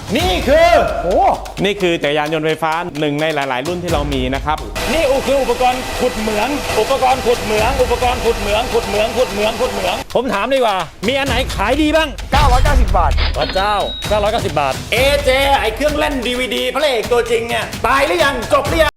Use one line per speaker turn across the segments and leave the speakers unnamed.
นี่คือโอ้
นี่คือจักรยานยนต์ไฟฟ้าหนึ่งในหลาย ๆ รุ่นที่เรามีนะครับ
นี่คืออุปกรณ์ขุดเหมืองอุปกรณ์ขุดเหมืองอุปกรณ์ขุดเหมืองขุดเหมืองขุดเหมืองขุดเหมืองผมถามดีกว่ามีอันไหนขายดีบ้าง
990 บาท
พระเจ้า990 บาท AJ ไอเครื่องเล่น DVD พระเอกตัวจริงเนี่ยตายหรือยังจบหรือยัง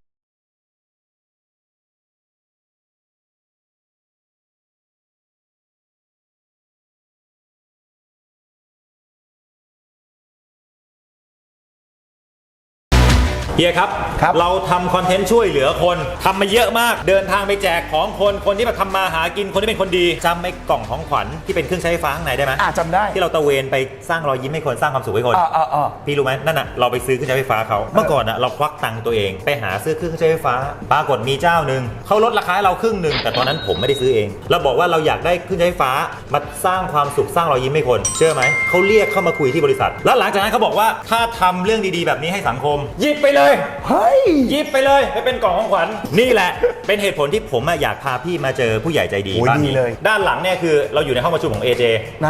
เฮียครับเราทำคอนเทนต์ช่วยเหลือคนทำมาเยอะมากเดินทางไปแจกของคนที่มาทำมาหากินคนที่เป็นคนดีจำไอ้กล่องของขวัญที่เป็นเครื่องใช้ไฟฟ้าข้างในได้ไหม
จำได้
ที่เราตะเวนไปสร้างรอยยิ้มให้คนสร้างความสุขให้คนพี่รู้ไหมนั่นน่ะเราไปซื้อเครื่องใช้ไฟฟ้าเขาเมื่อก่อนน่ะเราควักตังค์ตัวเองไปหาซื้อเครื่องใช้ไฟฟ้าปรากฏมีเจ้าหนึ่งเขาลดราคาให้เราครึ่งหนึ่งแต่ตอนนั้นผมไม่ได้ซื้อเองเราบอกว่าเราอยากได้เครื่องใช้ไฟฟ้ามาสร้างความสุขสร้างรอยยิ้มให้คนเชื่อไหมเขาเรียกเข้ามาคุยที่บริษัทแล้วหลังจากนั้นเขาบอกว่าถ้าทำเรื่องดีๆแบบนี้ให้สังคมหยิบไปเลย
เฮ้ย
หยิบไปเลยไปเป็นกล่องของขวัญนี่แหละเป็นเหตุผลที่ผมอยากพาพี่มาเจอผู้ใหญ่ใจดีบ้านนี้ด้านหลังเนี่ยคือเราอยู่ในห้องประชุมของ AJ
นะ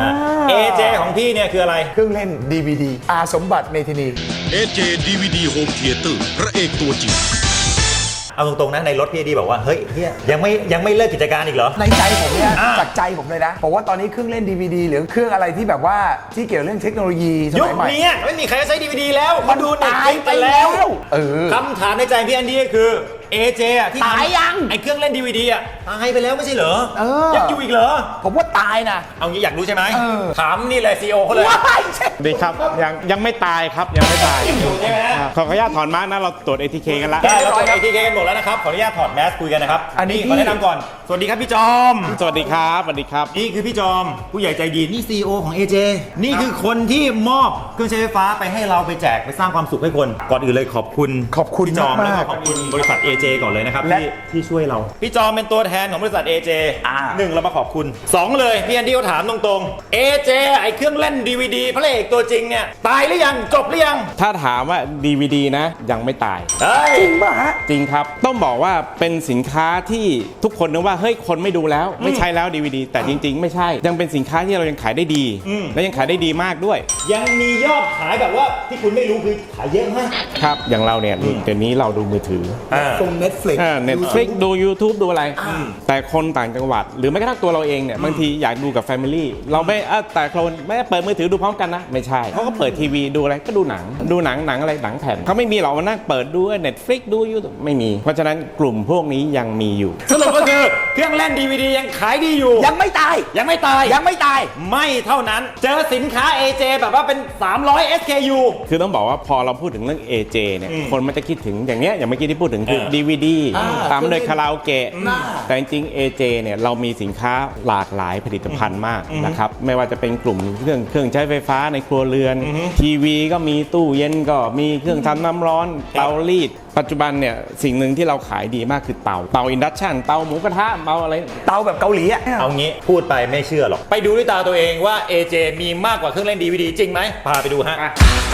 AJ ของพี่เนี่ยคืออะไร
เครื่องเล่น DVD อาสมบัติเมธินี
AJ DVD Home Theater พระเอกตัวจริง
เอาตรงๆนะในรถพี่ดีบอกว่าเฮ้ยเฮียยังไม่เลิกกิจการอีกเหรอ
ในใจผมเนี่ยจากใจผมเลยนะบอกว่าตอนนี้เครื่องเล่น DVD หรือเครื่องอะไรที่แบบว่าที่เกี่ยวเรื่องเทคโนโลยีสมัยใหม่
ยุคนี้ไม่มีใครใช้ DVD แล้วมาดู
ตายไปแล้ว
คำถามในใจพี่อันดี้คือ AJ ที่
ตายยัง
ไอเครื่องเล่น DVD ตายไปแล้วไม่ใช่เหรอยังอยู่อีกเหรอ
ผมว่าตายนะ
เอางี้อยากรู้ใช่ไหมถามนี่เลย CEO เขาเลย
ดีครับยังไม่ตายครับยังไม่ตาย
อยู่ใช่ไหม
ขออนุญาตถอนมาร์กนะเราตรวจ ATK กันละ
ได้เราตรวจ ATK กันหมดแล้วนะครับขออนุญาตถอดแมสคุยกันนะครับอันนี้ขอแนะนำก่อนสวัสดีครับพี่จอม
สวัสดีครับสวัสดีครับ
นี่คือพี่จอมผู้ใหญ่ใจดีนี่ CEO ของ AJ นี่คือคนที่มอบเครื่องใช้ไฟฟ้าไปให้เราไปแจกไปสร้างความสุขให้คนก่อนอื่นเลยขอบคุณพี่จอมแล้วก็ขอบคุณบริษัท AJ ก่อนเลยนะครับที่ช่วยเราพี่จอมเป็นตัวแทนของบริษัท AJ 1เรามาขอบคุณ2เลยพี่แอนดี้เขาถามตรงๆ AJ ไอเครื่องเล่น DVD พระเอกตัวจริงเนี่ยตายหรือยังจบหรือยัง
ถ้าถามว่า DVD นะยังไม่ตาย
จริงป่ะฮะ
จริงครับต้องบอกว่าเป็นสินค้าที่ทุกคนนึกว่าเฮ้ยคนไม่ดูแล้วไม่ใช่แล้ว DVD แต่จริงๆไม่ใช่ยังเป็นสินค้าที่เรายังขายได้ดีและยังขายได้ดีมากด้วย
ยังมียอดขายแบบว่าที่คุณไม่รู้คือขายเยอะมาก
ครับอย่างเราเนี่ยเดี๋ยวนี้เราดูมือถือ
ส่ง
Netflix ดู YouTube ดูอะไรแต่คนต่างจังหวัดหรือแม้กระทั่งตัวเราเองเนี่ยบางทีอยากดูกับ Family เราไม่แต่คนไม่เปิดมือถือดูพร้อมกันนะไม่ใช่เขาก็เปิดทีวีดูอะไรก็ดูหนังอะไรหนังแผ่นเขาไม่มีหรอกมานั่งเปิดดู Netflix ดู YouTube ไม่มีเพราะฉะนั้นกลุ่มพวกนี้ยังมีอยู่
สรุปก็คือเครื่องเล่น DVD ยังขายดีอยู่
ยังไม่ตายไม่เ
ท่านั้นเจอสินค้า AJ แบบว่าเป็น300 SKU
คือต้องบอกว่าพอเราพูดถึงเรื่อง AJ เนี่ยคนมันจะคิดถึงอย่างเนี้ยอย่างเมื่อกี้ที่พูดถึงคือ DVD ตามด้วยคาราโอเกะแต่จริงๆ AJ เนี่ยเรามีสินค้าหลากหลายผลิตภัณฑ์มากนะครับไม่ว่าจะเป็นกลุ่มเครื่องใช้ไฟฟ้าในครัวเรือนทีวีก็มีตู้เย็นก็มีเครื่องทำน้ำร้อนเตารีดปัจจุบันเนี่ยสิ่งหนึ่งที่เราขายดีมากคือเตาอินดักชันเตาหมูกระทะเตาอะไร
เตาแบบเกาหลีอ่ะ
เอางี้พูดไปไม่เชื่อหรอกไปดูด้วยตาตัวเองว่า AJ มีมากกว่าเครื่องเล่น DVD จริงไหมพาไปดูฮะ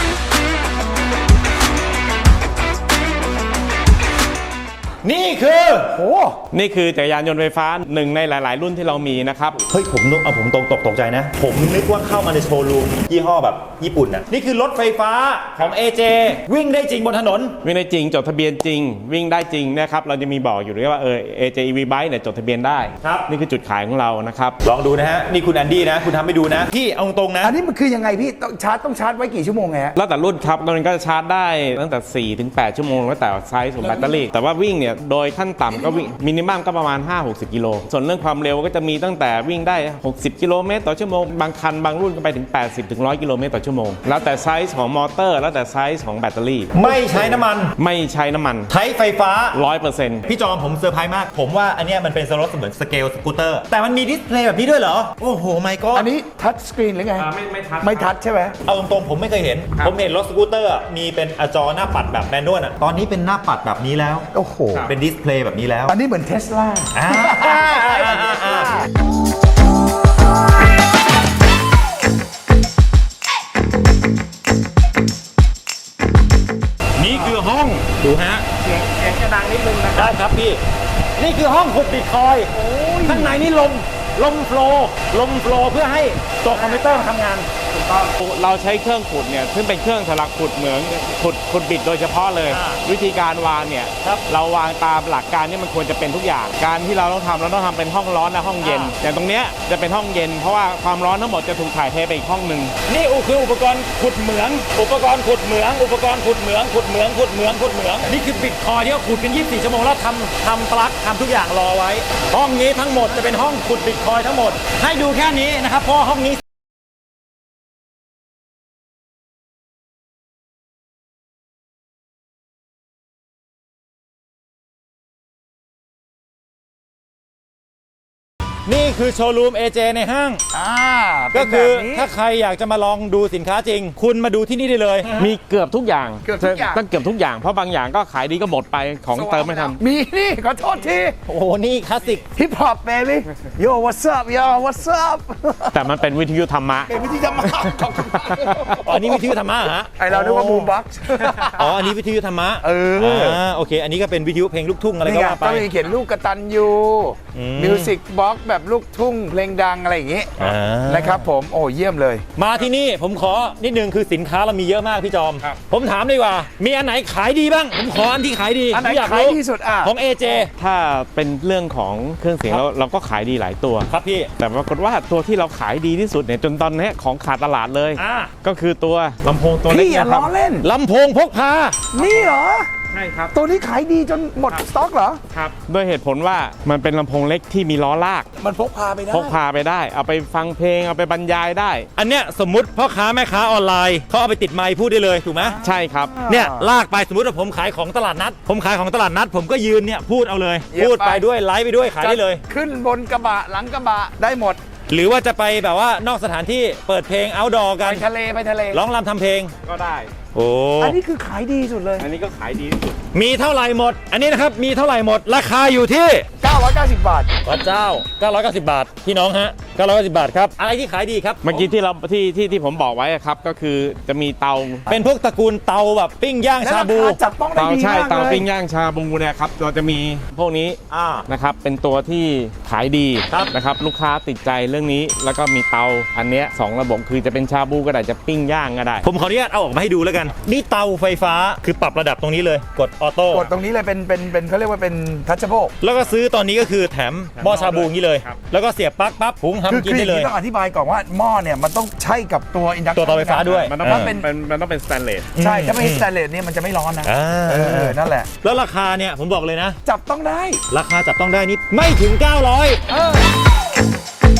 นี่คือ
นี่คือจักรยานยนต์ไฟฟ้าหนึ่งในหลายๆรุ่นที่เรามีนะครับ
เฮ้ยผมตกใจนะผมนึกว่าเข้ามาในโชว์รูมยี่ห้อแบบญี่ปุ่นน่ะนี่คือรถไฟฟ้าของ AJ วิ่งได้จริงบนถนน
วิ่งได้จริงจดทะเบียนจริงวิ่งได้จริงนะครับเราจะมีบอกอยู่ด้วยว่าAJ EV Bike เนี่ยจดทะเบียนได้
ครับ
นี่คือจุดขายของเรานะครับ
ลองดูนะฮะนี่คุณแอนดี้นะคุณทำให้ดูนะพี่เอาตรงนะ
อันนี้มันคือยังไงพี่ต้องชาร์จไว้กี่ชั่วโมงไง
แล้วแต่รุ่นครับมันก็ชาร์จได้ตั้งแต่4-8 ชั่วโมงแล้วแต่ไซส์ของแบตเตอรี่แต่ว่าวิ่งเนี่ยโดยขั้นต่ำก็วิ่งมินิมัมก็ประมาณ 5-60 กิโลส่วนเรื่องความเร็วก็จะมีตั้งแต่วิ่งได้60 กิโลเมตรต่อชั่วโมงบางคันบางรุ่นก็ไปถึง 80-100 กิโลเมตรต่อชั่วโมงแล้วแต่ไซส์ของมอเตอร์แล้วแต่ไซส์ของแบตเตอรี่
ไม่ใช้น้ำมัน
ใช้
ไฟฟ้า
100%
พี่จอมผมเซอร์ไพรส์มากผมว่าอันนี้มันเป็นรถเหมือนสเกลสกูตเตอร์แต่มันมีดิสเพลย์แบบนี้ด้วยเหรอโอ้โหไม่ก็
อันนี้ทัชสกรีนหรือไงไม่ทัชใช่ไหม
เอาตรงๆผมไม่เคยเห็นผมเห็นรถสกูตเตอร์มีเป็นจอหน้าปัดแบบแมนนวลตอนนี้เป็นหน้าปัดแบบนี้แล้ว
โอ้โห
เป็นดิสเพลย์แบบนี้แล้ว
อันนี้เหมือนเทสลา
นี่คือห้องดูฮะ
เสียงจะดังนิดนึงนะ
ได้ครับพี่นี่คือห้องขุดบิตคอยน์ข้างในนี่ลมโฟลว์เพื่อให้ตัวคอมพิวเตอร์ทำงาน
ถูกเราใช้เครื่องขุดเนี่ยซึ่งเป็นเครื่องสำหรับขุดเหมืองขุดบิดโดยเฉพาะเลย วิธีการวางเนี่ยเราวางตามหลักการที่มันควรจะเป็นทุกอย่างการที่เราต้องทำเป็นห้องร้อนและห้องเย็นอย่างตรงเนี้ยจะเป็นห้องเย็นเพราะว่าความร้อนทั้งหมดจะถูกถ่ายเทไปอีกห้องหนึ่ง
นี่คืออุปกรณ์ขุดเหมือง อุปกรณ์ขุดเหมือง อุปกรณ์ขุดเหมือง ขุดเหมือง ขุดเหมือง ขุดเหมือง นี่คือบิตคอยที่เขาขุดกัน24 ชั่วโมงแล้วทำปลั๊กทำทุกอย่างรอไว้ ห้องนี้ทั้งหมดจะเป็นห้องขุดบิตคอยทั้งหมด ให้ดูแค่นี้นะครับเพราะห้องนี้นี่คือโชว์รูม AJ ในห้าง ก็คือถ้าใครอยากจะมาลองดูสินค้าจริง คุณมาดูที่นี่ได้เลย
มีเกือบทุกอย่าง
เกือบทุกอย่าง
ต้องเกือบทุกอย่างเพราะบางอย่างก็ขายดีก็หมดไปของเติมไม่ทัน
มีนี่ขอโทษที
โอ้โห นี่คลาสสิก
ฮิปฮอปเบบี้โย what's up yo what's up
แต่มันเป็นวิทยุธรรมะ
เป็นวิธีทำมาขอบคุณมาก
อ๋อนี่วิทยุธรรมะเหรอฮะ
ไอเราเรียกว่าบูมบ็อกซ์
อ๋อ อันนี้วิทยุธรรมะโอเค อันนี้ก็เป็นวิทยุเพลงลูกทุ่งอะไร
นี่
ก็
ไง
ว่าไป
ก็มีเขียนลูกกตันยูมิวสิกบ็อกซ์แบบลูกทุ่งเพลงดังอะไรอย่างงี้ นะครับผมโอ้เยี่ยมเลย
มาที่นี่ผมขอนิดนึงคือสินค้าเรามีเยอะมากพี่จอม ผมถามดีกว่า มีอันไหนขายดีบ้าง ผมขออันที่ขายดี
อันไหน
ผมอยาก
ขาย
รู้
ที่สุดอ่ะ
ของ AJ
ถ้าเป็นเรื่องของเครื่องเสียงเราก็ขายดีหลายตัว
ครับพี่
แต่ปรากฏว่าตัวที่เราขายดีที่สุดเนี่ยจนตอนนี้ของขาดตลาดเลย ก็คือตัวลำโพงตัวเล็ก
พี่อย่า
นะค
ล้
รั
อบ เล่น
ลำโพงพกพา
นี่เหรอ
ใช่ครับ
ตัวนี้ขายดีจนหมดสต็อกเหรอ
ครับด้วยเหตุผลว่ามันเป็นลำโพงเล็กที่มีล้อลาก
มันพกพาไปได้
พกพาไปได้ เอาไปฟังเพลงเอาไปบรรยายได้
อันเนี้ยสมมุติพ่อค้าแม่ค้าออนไลน์เขาเอาไปติดไมค์พูดได้เลยถูกไหม
ใช่ครับ
เนี่ยลากไปสมมติว่าผมขายของตลาดนัด ผมขายของตลาดนัด ผมก็ยืนเนี่ยพูดเอาเลย
เยี่ยม
พูดไป
ไป
ด้วยไลฟ์ไปด้วยขายได้เลย
ขึ้นบนกระบะหลังกระบะได้หมด
หรือว่าจะไปแบบว่านอกสถานที่เปิดเพลง outdoor กั
ไป
น
ทะเลไปทะเล
ร้องรำทำเพลง
ก็ได้
โอ้
อันนี้คือขายดีสุดเลย
อันนี้ก็ขายดีที่สุด
มีเท่าไหร่หมด อันนี้นะครับมีเท่าไหร่หมด ราคาอยู่ที่
990 บาท
พระเจ้า 990 บาท พี่น้องฮะ 990 บาทครับ อะไรที่ขายดีครับ
เมื่อกี้ที่เราที่ผมบอกไว้อะครับก็คือจะมีเตา
เป็นพวกตระกูลเตาแบบปิ้งย่างชาบู
และรคจับต้องได้
เตา
ดี
ใช่
มาก
เตา
เลย
ปิ้งย่างชาบูเนี่ยครับเราจะมีพวกนี้นะครับเป็นตัวที่ขายดี
ครับ
นะครับลูกค้าติดใจเรื่องนี้แล้วก็มีเตาอันเนี้ย2ระบบคือจะเป็นชาบูก็ได้จะปิ้งย่างก็ได้
ผมขออนุญาตเอาออกมาให้ดูแล้วกัน นี่เตาไฟฟ้าคือปรับระดับตรงนี้เลย กดออโต้
กดตรงนี้เลยเป็นเขาเรียกว่าเป็นทัชเชเบิล
แล้วก็ซื้อตอนนี้ก็คือแถมหม้อชาบูอย่างนี้เลย
ครับ
แล้วก็เสียบปลั๊กปั๊บหุง
คือ
ทำกินได้เลย
ต้องอธิบายก่อนว่าหม้อเนี่ยมันต้องใช้กับตัวอินดักชัน
ตัวเตาไฟฟ้าด้วย
มันต้อง
ถ้าเป็น
มันต้องเป็นสแตนเลส
ใช่ถ้าไม่ใช่สแตนเลสเนี่ยมันจะไม่ร้อนนะ นั่นแหละ
แล้วราคาเนี่ยผมบอกเลยนะ
จับต้องได้
ราคาจับต้องได้นี่ไม่ถึง 900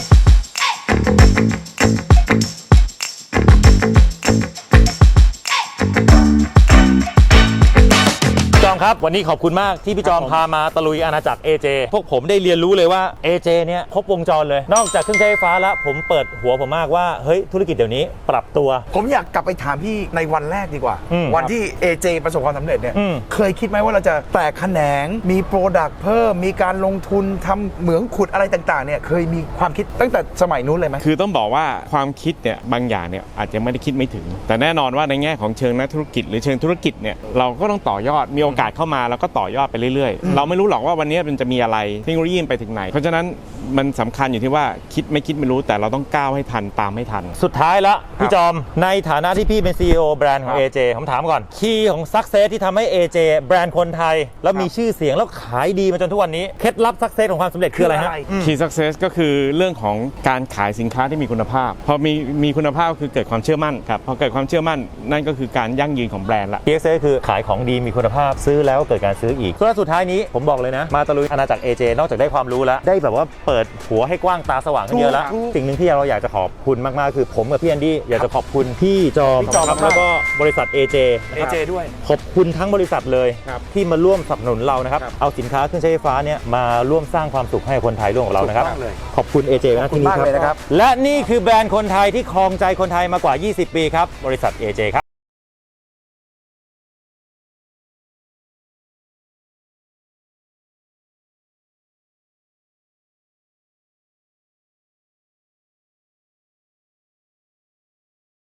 จอมครับวันนี้ขอบคุณมากที่พี่จอมพามาตะลุยอาณาจักร AJ พวกผมได้เรียนรู้เลยว่า AJ เนี่ยครบวงจรเลย นอกจากเครื่องใช้ไฟฟ้าแล้วผมเปิดหัวผมมากว่าเฮ้ยธุรกิจเดี๋ยวนี้ปรับตัว
ผมอยากกลับไปถามพี่ในวันแรกดีกว่า วันที่ AJ ประสบความสำเร็จเนี่ย เคยคิดไหมว่าเราจะแตกแขนงมีโปรดักต์เพิ่มมีการลงทุนทำเหมืองขุดอะไรต่างๆเนี่ยเคยมีความคิดตั้งแต่สมัยนู้นเลยไหม
คือต้องบอกว่าความคิดเนี่ยบางอย่างเนี่ยอาจจะไม่ได้คิดไม่ถึง แต่แน่นอนว่าในแง่ของเชิงนักธุรกิจหรือเชิงธุรกิจเนี่ยเราก็ต้องต่อยอดมีโอกาสเข้ามาแล้วก็ต่อยอดไปเรื่อยๆ เราไม่รู้หรอกว่าวันนี้มันจะมีอะไรเทคโนโลยีไปถึงไหน เพราะฉะนั้นมันสำคัญอยู่ที่ว่าคิดไม่รู้แต่เราต้องก้าวให้ทันตามให้ทัน
สุดท้ายละพี่จอมในฐานะที่พี่เป็น CEO แบรนด์ของ AJ ผมถามก่อนคีย์ของ Success ที่ทำให้ AJ แบรนด์คนไทย แล้วมีชื่อเสียงแล้วขายดีมาจนทุกวันนี้เคล็ดลับ Success ของความสำเร็จคืออะไรฮะ
Key Success ก็คือเรื่องของการขายสินค้าที่มีคุณภาพพอมีคุณภาพคือเกิดความเชื่อมั่นครับพอเกิดความเชื่อมั่นนั่นก็คือการยั่งยืนของแบรนด์ละ
PXA คือขายของดีมีคุณภาพซื้อแล้วเกิดการซื้ออีกส่วนสุดท้ายนี้ผมบอกเลยนะมาตะลุยอาณาจักร AJ นอกจากได้ความรู้แล้วได้แบบว่าเปิดหัวให้กว้างตาสว่างขึ้นเยอะแล้ว
ถูก
สิ่งหนึ่งที่เราอยากจะขอบคุณมากๆคือผมกับพี่แอนดี้อยากจะขอบคุณพี่จอม
พี่จอม
ครับ
มาก
แล้วก็บริษัท AJ นะครับ
AJ ด้วย
ขอบคุณทั้งบริษัทเลย
ครับ
ที่มาร่วมสนับสนุนเรานะครับเอาสินค้าเครื่องใช้ไฟฟ้าเนี่ยมาร่วมสร้างความสุขให้คนไทยร่วมกับเรานะครับ
ถูกต้องเลย
ขอบคุณ AJ นะที่นี่
ขอบคุณมากเลยนะครับ
และนี่คือแบรนด์คนไทยที่ครองใจคนไทยมากว่า 20 ปีครับบริษัท AJ ครับ